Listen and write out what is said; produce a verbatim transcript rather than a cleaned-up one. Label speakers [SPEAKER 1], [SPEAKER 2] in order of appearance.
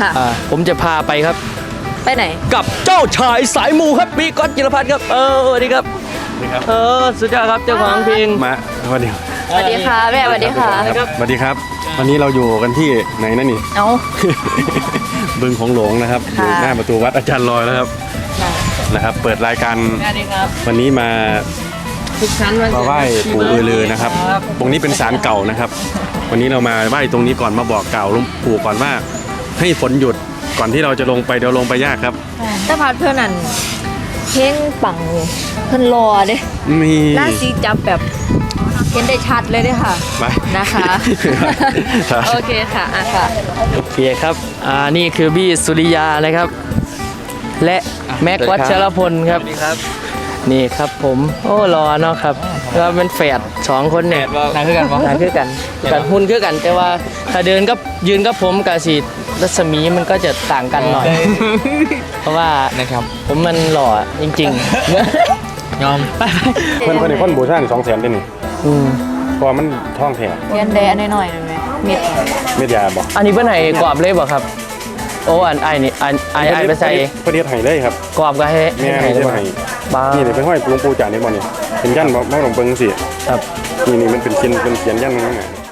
[SPEAKER 1] ค่ะ
[SPEAKER 2] ผมจะพาไปครับ
[SPEAKER 1] ไปไหน
[SPEAKER 2] กับเจ้าชายสายมูครับพี่ก๊อตจิรพัฒน์ครับเออสวัสดีครับเออสุดยอดครับเจ้าของเพลง
[SPEAKER 3] มาสวัสดี
[SPEAKER 1] สวัสดีค่ะแม่สวัสดีค่ะ
[SPEAKER 3] สวัสดีครับวันนี้เราอยู่กันที่ไหนนั่นนี่
[SPEAKER 1] เอา
[SPEAKER 3] บึงของหลวงนะครับอยู่หน้าประตูวัดอาจารย์ลอยแล้วครับนะครับเปิดรายการวันนี้มามาไหว้ปู่อือลือนะครับตรงนี้เป็นศาลเก่านะครับวันนี้เรามาไหว้ตรงนี้ก่อนมาบอกกล่าวหลวงปู่ก่อนว่าให้ฝนหยุดก่อนที่เราจะลงไปเดี๋ยวลงไปยากครับ
[SPEAKER 1] แต่พัดเพื่อนนั่นเพ่งปังเพื่อนรอเด้
[SPEAKER 3] มี
[SPEAKER 1] หน้าซีจับแบบเห็นได้ชัดเลยด้วยค่ะนะคะโอเคค่ะอ่ะค่ะ
[SPEAKER 2] โอเคครับอ่านี่คือบี้สุริยานะครับและแม็กวัชรพลครับนี่ครับผมโอ้รอเนาะครับเราเป็นแฝดสองคนเนี่ย
[SPEAKER 4] นางคือกัน
[SPEAKER 2] นางคือกันกันหุ่นคือกันแต่ว่าถ้าเดินก็ยืนกับผมกับสีรัศมีมันก็จะต่างกันหน่อยเพราะว่า
[SPEAKER 4] นะครับ
[SPEAKER 2] ผมมันหล่อจริงๆยอมไป
[SPEAKER 3] เพื่อนเพื่อนคนบูชาสองแสนได้นี่เพราะมันท่องแถว
[SPEAKER 1] เรียนแดนหน่อยหน่อยไหมเม็ด
[SPEAKER 3] เม็ดยาบอก
[SPEAKER 2] อันนี้เพื่อนไหนกรอบเลยบอกครับโอ้อันไอ้นี่อันไอ้ไอ้ไปใส่
[SPEAKER 3] ประเดี๋ยวไห้เลยครับ
[SPEAKER 2] กรอบก็ให้
[SPEAKER 3] แม่ไม่ใช่ไห้นี่เดี๋ยวไปห้อยหลวงปู่จ่าในบ่อนี่เป็นยันบ่หลวงเปิงสิ
[SPEAKER 2] ครับ
[SPEAKER 3] นี่นี่มันเป็นเขียนเป็นเขียนยันนั่นไง